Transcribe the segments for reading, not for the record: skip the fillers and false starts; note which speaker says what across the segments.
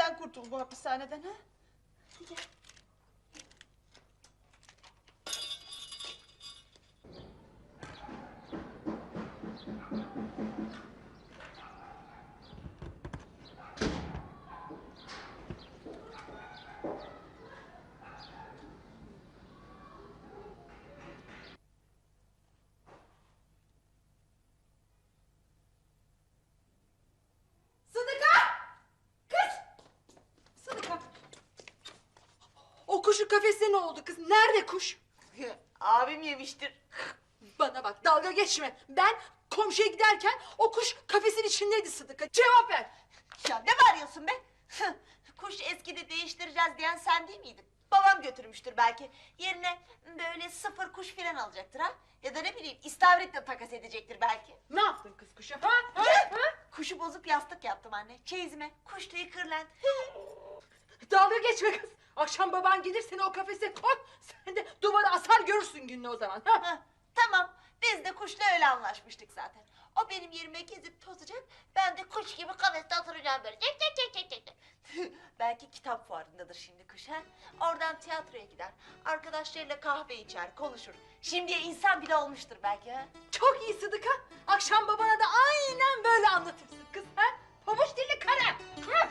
Speaker 1: sen kurtul bu hapishaneden ha. Gel.
Speaker 2: O kuşun kafesine ne oldu kız? Nerede kuş?
Speaker 1: Abim yemiştir.
Speaker 2: Bana bak, dalga geçme. Ben komşuya giderken o kuş kafesin içindeydi Sıdıka. Cevap ver.
Speaker 1: Ya ne bağırıyorsun be? Kuş eskidi değiştireceğiz diyen sen değil miydin? Babam götürmüştür belki. Yerine böyle sıfır kuş filan alacaktır ha. Ya da ne bileyim istavritle takas edecektir belki.
Speaker 2: Ne yaptın kız kuşa? Ha?
Speaker 1: Kuşu bozup yastık yaptım anne. Çeyizime kuş tüyü kırlent.
Speaker 2: Dalga geçme kız. Akşam baban gelir seni o kafese koy. Sen de duvara asar görürsün gününü o zaman. Ha?
Speaker 1: Heh, tamam biz de kuşla öyle anlaşmıştık zaten. O benim yerime gezip tozacak. Ben de kuş gibi kafeste oturacağım böyle. Cek cek cek cek cek. Belki kitap fuarındadır şimdi kuş ha. Oradan tiyatroya gider. Arkadaşlarıyla kahve içer, konuşur. Şimdiye insan bile olmuştur belki ha.
Speaker 2: Çok iyi Sıdıka. Akşam babana da aynen böyle anlatırsın kız. Ha? Pabuç dilli kara. Ha?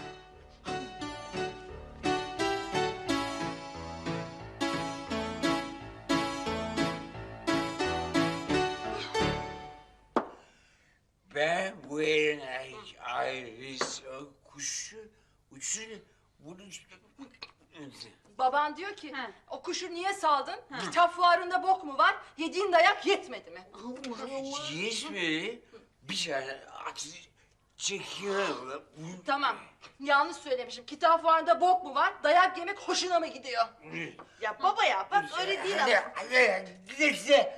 Speaker 3: Ben bu yerin ayrısı kuşu uçunu bunu...
Speaker 2: Baban diyor ki o kuşu niye saldın? Kitap fuarında bok mu var? Yediğin dayak yetmedi mi?
Speaker 3: Yetmedi. Bir tane at çekiyorum.
Speaker 2: Tamam. Yanlış söylemişim. Kitap fuarında bok mu var? Dayak yemek hoşuna mı gidiyor?
Speaker 1: Ya baba ya bak öyle değil ama.
Speaker 3: Hadi neyse.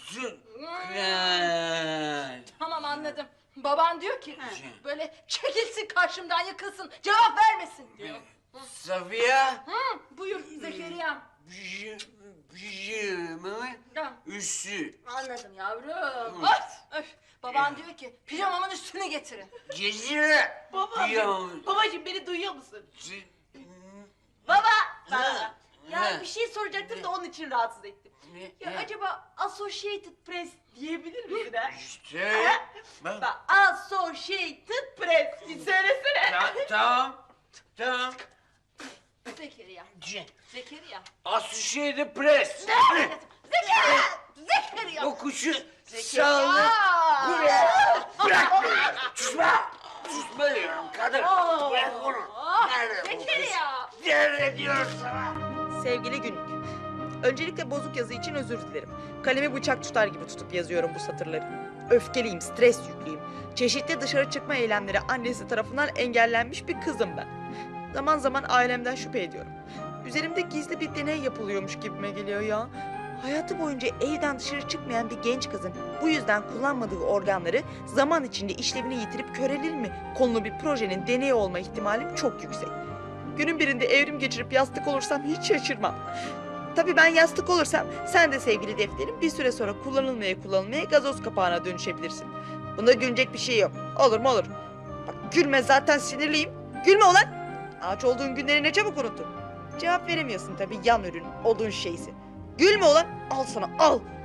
Speaker 3: Şükran.
Speaker 2: Tamam anladım. Baban diyor ki böyle çekilsin karşımdan yıkılsın cevap vermesin diyor.
Speaker 3: Safiye.
Speaker 2: Buyur Zekeriya.
Speaker 3: Pijamamın
Speaker 2: Ha,
Speaker 3: üstü.
Speaker 2: anladım yavrum. Öf, öf. Baban diyor ki pijamamın üstünü getirin.
Speaker 3: Gezire.
Speaker 1: Babacığım beni duyuyor musun? Baba. Baba. Ya bir şey soracaktım da onun için rahatsız ettim. Ya acaba Associated Press diyebilir misin ha?
Speaker 3: İşte.
Speaker 1: Bak Associated Press. Bir söylesene.
Speaker 3: Tamam. Tamam.
Speaker 2: Zekeriya. Zekeriya.
Speaker 3: Associated Press.
Speaker 2: Zekeriya. Zekeriya.
Speaker 3: O kuşu saldı. Buraya. Bırak beni. Susma. Susma diyorum kadın. Bırak onu. Nerede bu kız?
Speaker 2: Zekeriya.
Speaker 3: Nerede diyorum sana?
Speaker 4: Sevgili günlük. Öncelikle bozuk yazı için özür dilerim. Kalemi bıçak tutar gibi tutup yazıyorum bu satırları. Öfkeliyim, stres yüklüyüm. Çeşitli dışarı çıkma eylemleri annesi tarafından engellenmiş bir kızım ben. Zaman zaman ailemden şüphe ediyorum. Üzerimde gizli bir deney yapılıyormuş gibime geliyor ya. Hayatı boyunca evden dışarı çıkmayan bir genç kızın bu yüzden kullanmadığı organları zaman içinde işlevini yitirip körelir mi konulu bir projenin deneyi olma ihtimalim çok yüksek. Günün birinde evrim geçirip yastık olursam hiç şaşırmam. Tabii ben yastık olursam sen de sevgili defterim bir süre sonra kullanılmaya gazoz kapağına dönüşebilirsin. Bunda gülecek bir şey yok. Olur mu olur. Bak gülme zaten sinirliyim. Gülme ulan. Ağaç olduğun günleri ne çabuk unuttun. Cevap veremiyorsun tabii yan ürün, odun şeysi. Gülme ulan. Al sana al.